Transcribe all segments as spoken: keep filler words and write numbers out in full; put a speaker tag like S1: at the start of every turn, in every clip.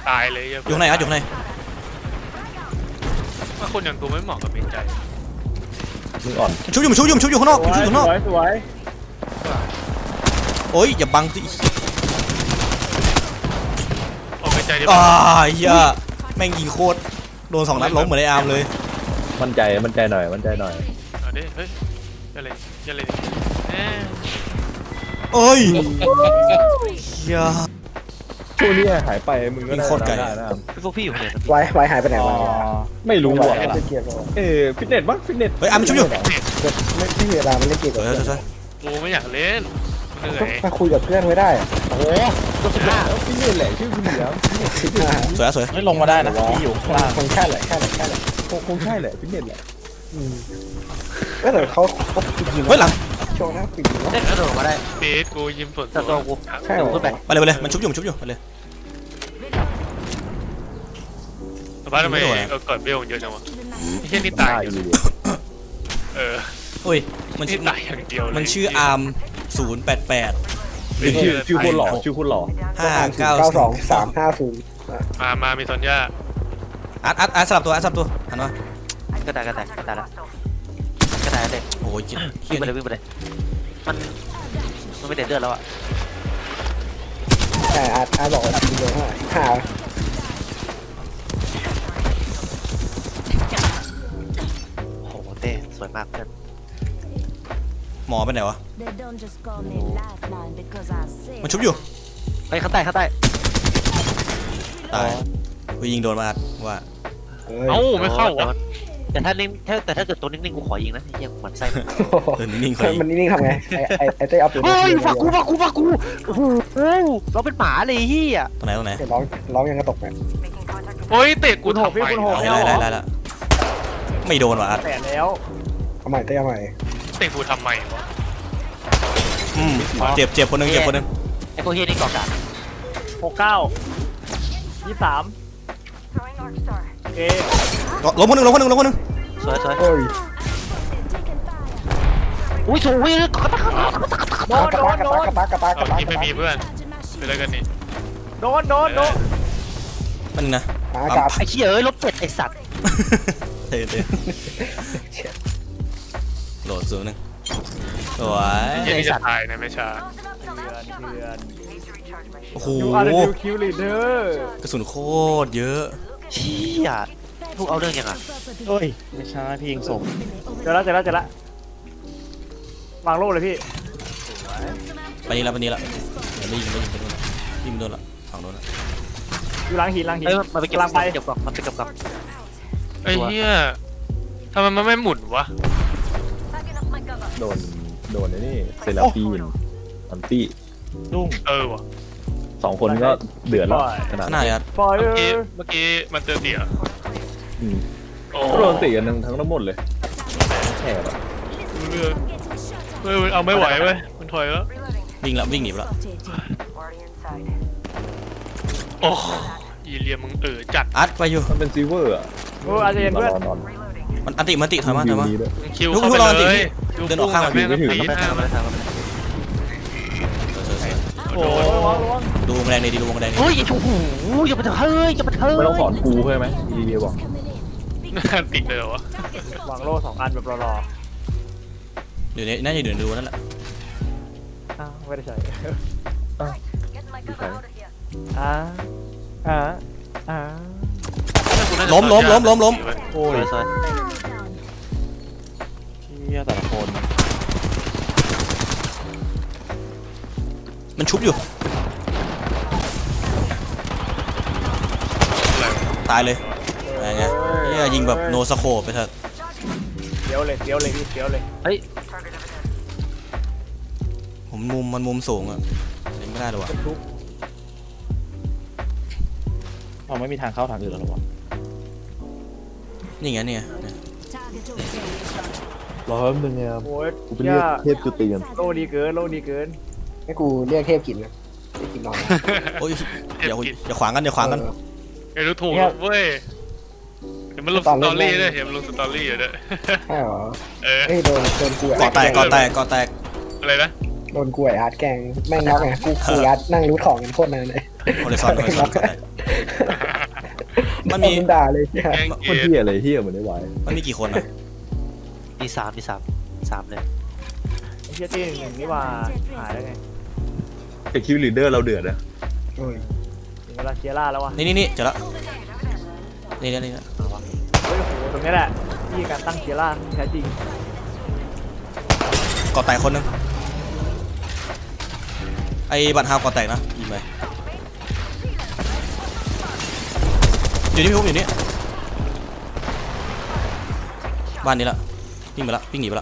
S1: ตายเลย
S2: อยู่ไหนอ่ะอยู่ไหน
S1: ว่าคนอย่างกูไม่เหมาะกับเป็นใจ
S3: มึงอ่อน
S2: ชุบอยู่ชุบอยู่ชุบอยู่ข้างนอกชุบอยู่ข้างนอก
S4: สวย
S2: โอ้ยอย่าบังสิ
S1: ออกเป็นใจดิ
S2: อ่าเฮียแม่งยิงโคตรโดนสองนัดล้มเหมือนไอ้อาร์มเลย
S3: มั่นใจมั่นใจหน่อยมั่นใจหน่อย
S1: เอาดิเฮ้ยอย่าเลยอย่าเลย
S2: เอ้ยเฮีย
S3: ช่วงนี้หายไปมึงก็ได้นะ
S4: พวกพี่อยู่ไหน
S5: ไว้ไว้หายไปไหนวะ
S3: ไม่รู้ว่ะเออฟิตเนสบ้างฟิตเนส
S2: เฮ้ยอาร์มชุบอยู่
S5: ไม่ไม่มีเวลามันเล่นเกมกับเพื่อน
S1: กูไม่อยากเล่นเหนื่อย
S5: มาคุยกับเพื่อนไว้ได้
S3: โอ้ก็สุดยอดฟิตเนสแหละชื่อคุณเหลือ
S2: สวยสวย
S4: ไม่ลงมาได้นะที่อยู่ข้างล่าง
S5: คงใช่แหละใช่แหละใช่แหละ
S3: คงใช่แหละฟิตเนสแหละ
S5: ก็แต่เขาเขาปิดยิง
S2: เฮ้ยหลัง
S5: โชว์นะปิดยิง
S4: ได้กระโดดมาได้
S1: เบสกูยิ้มสด
S4: ตัวกู
S5: ใช่หรอ
S2: ไปเลยไปเลยมันชุบอยู่ชุบอยู่ไปเลย
S1: แต่ว่าทำไมเออเกิดเบลเยอะจังวะไอ้เช่นนี่ตายอยู่เออ
S2: โอ้ยมัน
S1: ชื่อตายอย่างเดียว
S2: มันชื่ออาร์มศูนย์แปดแปด
S3: ชื่อชื่อคนหล่อชื่อคนหล่อ
S2: ห้าเก้า
S5: สองสามห้าศูนย์
S1: มามามีซอนย่า
S2: อัดอัดอัดสลับตัวอัดสลับตัวหันมาก
S4: ระดาษกระดาษกระดาษละกระดาษเด็ก
S2: โอ้ย
S4: วิ่งไปเลยวิ่งไปเลยมันมันไม่เด็ดเลือดแล้วอ่ะ
S5: ใช่อาร์อาร์บอกว่าทำเยอะมากหา
S4: โอ้โหเต้สวยมากเพื่อน
S2: หมอไปไหนวะมันชุบอยู่
S4: ไปข้างใต้ข้างใต้
S2: ตายไปยิงโดนมาอัดว่า
S1: เอ้าไม่เข้าวะ
S4: แต่ถ้านิ่งแต่ถ้าเกิดตัวนิ่งๆกูขอยิงนะเฮียหมันไส้
S2: เออนิ่งๆ
S5: มันนิ่งๆทำไงไอ้ไอ้ไอ้เต้เอาปืน
S4: เฮ้ยฟักกูฟักกูฟักกูโอ้โหเราเป็นหมาเลยเฮีย
S2: ตรงไหนตรงไหน
S5: ร้องร้องยังกระตกแบบ
S1: โอ้ยเตะกูถกพี่คุณหก
S2: ได้ได้ได้แล้วไม่โดนว่ะอัด
S4: แต่แล้ว
S5: เอาใหม่เต้เอาใหม่
S1: เตะกูทำไมวะ
S2: อืมเจ็บเจ็บคนนึงเจ็บคนนึง
S4: ไอ้พวกเฮียนี่ก่อการ
S6: หกเก้ายี่สามเอ
S2: ล้มคนนึงล้มคนนึงล้มคนนึง
S4: สวยสวย
S5: โอ้ย
S4: อุ้ยสวยเลยกระตาก
S6: โดนโดนโดน
S5: กระตากกระตากกระตาก
S1: ที่ไม่มีเพื่อนเป็นอะไรกันนี่
S6: โดนโดนโดน
S2: มันนะ
S4: ไอ้เชี่ยเอ้ยลบเจ็ดไอ้สัตว์
S2: เตะเตะโหลดสูงนึงสวย
S1: ไอ้สัตว์ตายในไม่ช้า
S2: โอ้โห
S6: คิวลีเดอร์
S2: กระสุนโคตรเยอะ
S4: เชี่ยพวกเอาเรื่องยังไง
S6: เฮ้ยไม่ใช่พี่ยิงศพเจอแล้วเจอแล้วเจอแล้ววางโล่เลยพี่
S2: ไปนี่ละไปนี่ละไม่ยิงไม่ยิงไปโดนละยิงโดนละฝั่งโดนละ
S6: อยู่หลังหินหลังหิน
S4: เฮ้ยมันไปเก็บไปเก็บกล่องมันไปเก็บกล่อง
S1: ไอ้เหี้ยทำไมมันไม่หมุนวะ
S3: โดนโดนนี่เซราฟีนอันตี้
S6: ดุ้ง
S1: เออวะ
S3: สองคนก็เดือดแล้ว
S2: ขนาดนี้
S1: เมื่อกี้เมื่อกี้มันเจอเตี่ย
S3: โอ้โดนตีกันทั้งทั้งหมดเลยแฉบอ่ะ
S1: เรือเฮ้ยเอาไม่ไหวเว้ยมันถอยแล้ว
S2: วิ่งละวิ่งหนีแล้ว
S1: โอ้ยีเรียมึงเออจัด
S2: อัดไปอยู่
S3: มันเป็นซีเวอร์อ่ะ
S6: โอ้อาจจะเย็นเพื่อน
S2: มันอันติมันติถอยมาถอยมา
S1: คิวเข้าไปเลย
S2: เดินออกข้างมัน
S1: ไม่ต้องตีหน้ามัน
S6: โอ้
S2: ดูแมลงในดีดูแมลงใน
S4: เฮ้ยโอ้โหอย่าไปเถอะเฮ้ยอย่าไปเถอะ
S3: ไม่ต้องสอนกูใช่ไหมดีเดียวบอก
S1: ติดเลยวะ
S6: วางโล่สองอันแบบรอ
S2: เดี๋ยวนี้น่าจะเดินดูนั่นแหละ
S6: อ้าวไม่ได้ใช้
S3: อ่า
S6: อ่าอ่า
S2: ล้มล้มล้มล้มล้ม
S4: โอ้ย
S3: เชี่ยแต่ละคน
S2: มันชุบอยู่ตายเลยอะไรเงี้ยนี่ยิงแบบโนสโคปไปเถอะ
S6: เดี๋ยวเลยเดี๋ยวเลยพี่เดี๋ยวเลย
S4: เฮ้ย
S2: ผมมุมมันมุมสูงอ่ะเล่นไม่ได้หรอวะ
S3: เราไม่มีทางเข้าทางอื่นแล้วหรอวะ
S2: นี่ไงเนี่ย
S3: รอแป๊บนึงไงครับกูเป็นเรียกเทพจุติกัน
S6: โลดีเกินโลดีเกิน
S5: ให้กูเรียกเทพกินนะกินนอน
S2: โอ้ยอย่าอย่าขวางกันอย่าขวางกัน
S1: ไอ้รู้ถูกเว้ยเห็นมันลงสตอรี่ด้วยเห็นมันลงสตอรี่อยู่ด้วย
S5: ใช่หรอ
S1: เออ
S5: เฮ้ยโดนโดนกู
S2: ก่อแตกก่อแตกก่อแตก
S1: อะไรนะ
S5: โดนกูไอ้อาร์ตแกงแม่งน็อกไงกูกูอาร์ตนั่งรูทของกันโคตรนานเลย
S2: โอเลซอนโอเลซอนมันมี
S5: ด่าเลยเนี่ย
S1: แกง
S3: คน
S1: เกีย
S3: เฮียอะไรเฮียเหมือนได้ไหว
S2: มันมีกี่คนอ่ะ
S4: มีสามมีสามสามเลย
S6: ไอ้เฮียตีหนึ่งนี่ว่าหายแล้วไง
S3: แต่คิวลีดเดอร์เราเดือดนะ
S6: ถึงเวลาเคลียร์ล่าแล้ววะ
S2: นี่นี่นี่เจอละนี่นี่นี่นะ
S6: เฮ้ยโอ้โหตรงนี้แหละที่การตั้งเคลียร์ล่าที่แท้จริง
S2: ก่อแตกคนหนึงไอ้บัตรฮาวก่อแตกนะยิงไปอยู่นี่พี่พุ่มอยู่นี่บ้านนี้ละวิ่งไปละวิ่งหนีไปละ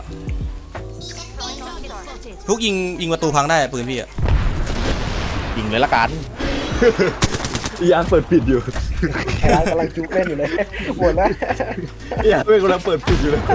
S2: พุกยิงยิงประตูพังได้ปืนพี่อะ
S4: ยิงเลยละกัน
S3: อีอันเปิดปิดอยู่
S5: ไอ้ร้านกำลังจุกเล่นอยู่เลยหมดแล้ว
S3: อีอันเป็นกำลังเปิดปิดอยู่เลย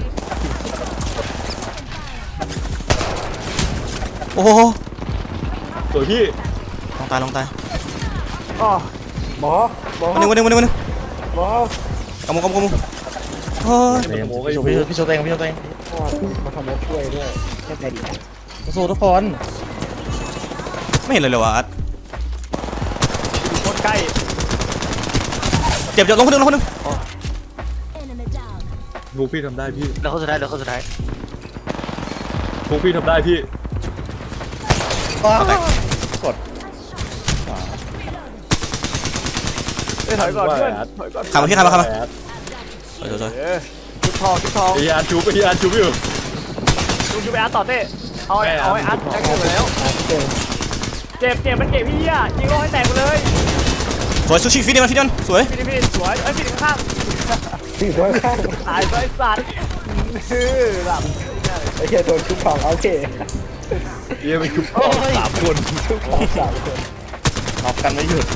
S2: โอ้โห
S3: ตัวพี่
S2: ลองตายลองตาย
S6: อ๋อ
S5: หมอหมอ
S2: วันหนึ่งวันหนึ่งวันหนึ่งวันหนึ่ง
S5: หมอก
S2: ำมุกำมุกกำมุกโอ้ย
S3: โมก็
S4: พี่
S3: อ
S4: โช
S3: ยู่
S4: ว์พี่โชว์พี่โชว์เองพี่โชว์เอง
S5: พ่อมาทำรถช่วยด้วยแค่ใจดี
S4: มาสู้ทุกคน
S2: ไม่เห็นเลยเลยวะอาร์ต
S6: อยู่โคตรใกล้
S2: เจ็บเจ็บลงคนหนึ่งลงคนหนึ่ง
S3: พวกพี่ทำได้พี่
S4: แล้วคนสุดท้ายแล้วคนสุดท้าย
S3: พวกพี่ทำได้พี่
S4: กด
S6: เอ้ยถอยก่อนเพื่อนถอยก่อน
S2: ขับมาพี่ขับมาขับมาสวยสวยสวย
S6: เออชุดทองชุดทอง
S3: อีอันชูไปอีอันชูอยู่
S6: ดูยูไปอาร์ตต่อเต้เอาไอ้เอาไอ้อาร์ตแจ็คเกิดไปแล้ว
S5: เก่ง
S6: เจ็บเจ็บมันเจ็บพี่อ่ะยิงโลให้แตกไปเลย
S2: สวยซูชิฟิตเดียนฟิตเดียนสวย
S6: พี่พี่สวยเอ้ยพี่ข้าง
S5: ที่ตัวข้าง
S6: ตายไปสัตว์ฮือหลับ
S5: ไอ้เหี้ยโดนชุบของโอเค
S3: เฮียเป็นชุบพ่อสามคน
S5: ชุบของสามคน
S4: น็อกกันไม่หยุด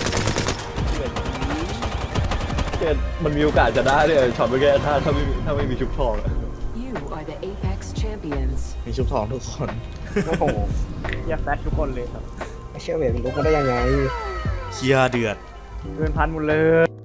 S3: เฮียมันมีโอกาสจะได้เลยช็อตเมื่อกี้ถ้าถ้าไม่ถ้าไม่มีชุบทองอะ
S7: You are the Apex champions.
S4: มีชุบทองทุกคน
S5: โอ้โห
S6: เฮียแฟชทุกคนเลยครับ
S5: ไอ้เชี่ยเวทมันลุกมาได้ยังไง
S2: เชียร์เดือด
S6: เกินพันหมดเลย